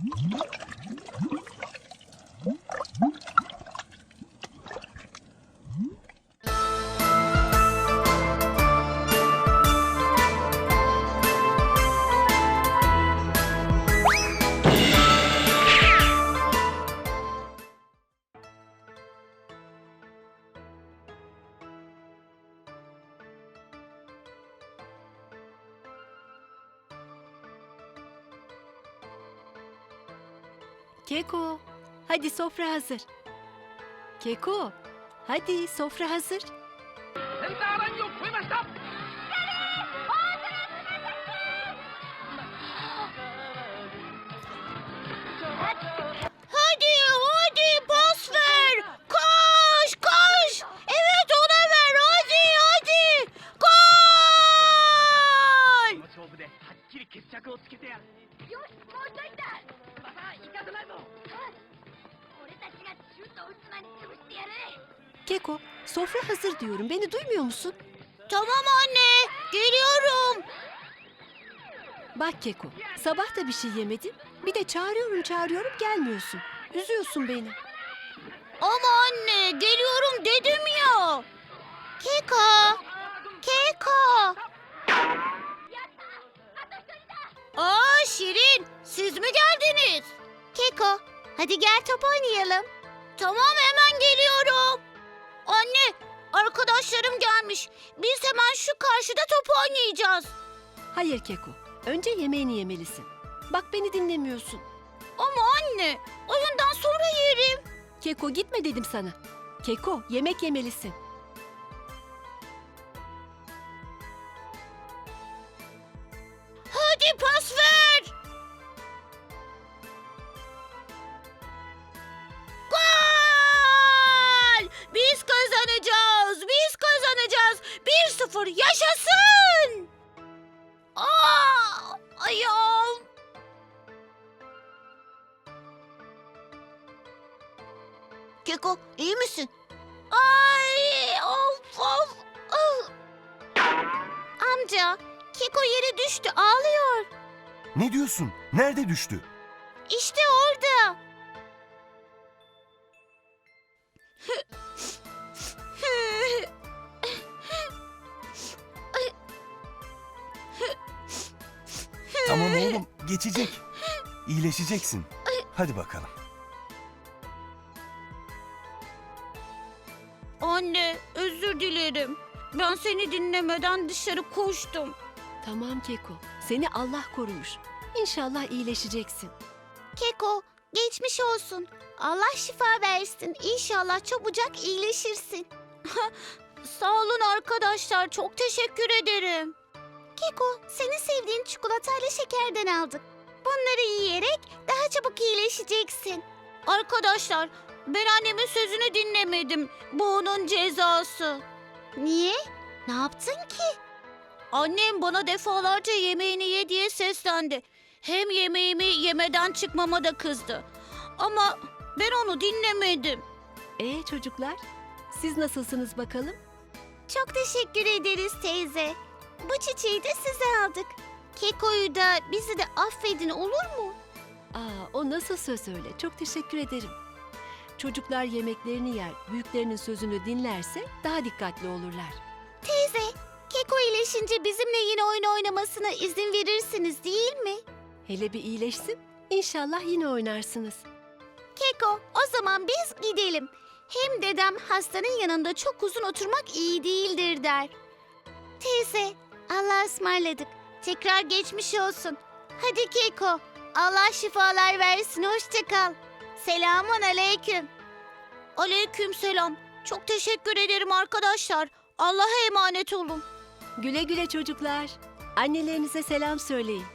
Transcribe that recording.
Keko, hadi sofra hazır. Keko, hadi sofra hazır. Hadi pas ver. Koş koş. Evet ona ver hadi. Gol. この勝負ではっきり決着をつけてやる。 よし、もうちょいだ。 また行かせないぞ。 俺たちがシュートを打つ前に潰してやる。 Keko, sofra hazır diyorum. Beni duymuyor musun? Tamam anne. Geliyorum. Bak Keko, sabah da bir şey yemedin. Bir de çağırıyorum gelmiyorsun. Üzüyorsun beni. Ama anne geliyorum dedim ya. Keko. Aa Şirin, siz mi geldiniz? Keko, hadi gel top oynayalım. Tamam hemen geliyorum. Anne, arkadaşlarım gelmiş. Biz hemen şu karşıda top oynayacağız. Hayır Keko, önce yemeğini yemelisin. Bak beni dinlemiyorsun. Ama anne, oyundan sonra yerim. Keko gitme dedim sana. Keko, yemek yemelisin. Hadi pas ver. Gol! Biz kazanacağız. 1-0 yaşasın. Aa, ayağım. Keko, iyi misin? Ay, of. Amca, Keko yere düştü, ağlıyor. Ne diyorsun? Nerede düştü? İşte orada. Tamam oğlum, geçecek. İyileşeceksin. Hadi bakalım. Anne, özür dilerim. Ben seni dinlemeden dışarı koştum. Tamam Keko, seni Allah korumuş. İnşallah iyileşeceksin. Keko, geçmiş olsun. Allah şifa versin. İnşallah çabucak iyileşirsin. Sağ olun arkadaşlar, çok teşekkür ederim. Keko, senin sevdiğin çikolatayla şekerden aldık. Bunları yiyerek daha çabuk iyileşeceksin. Arkadaşlar, ben annemin sözünü dinlemedim. Bu onun cezası. Niye? Ne yaptın ki? Annem bana defalarca yemeğini ye diye seslendi. Hem yemeğimi yemeden çıkmama da kızdı. Ama ben onu dinlemedim. Çocuklar, siz nasılsınız bakalım? Çok teşekkür ederiz teyze. Bu çiçeği de size aldık. Keko'yu da bizi de affedin olur mu? O nasıl söz öyle? Çok teşekkür ederim. Çocuklar yemeklerini yer, büyüklerinin sözünü dinlerse daha dikkatli olurlar. Teyze, Keko iyileşince bizimle yine oyun oynamasına izin verirsiniz değil mi? Hele bir iyileşsin, İnşallah yine oynarsınız. Keko, o zaman biz gidelim. Hem dedem hastanın yanında çok uzun oturmak iyi değildir der. Teyze, Allah'a ısmarladık. Tekrar geçmiş olsun. Hadi Keko, Allah şifalar versin, hoşça kal. Selamun aleyküm. Aleyküm selam. Çok teşekkür ederim arkadaşlar. Allah'a emanet olun. Güle güle çocuklar. Annelerinize selam söyleyin.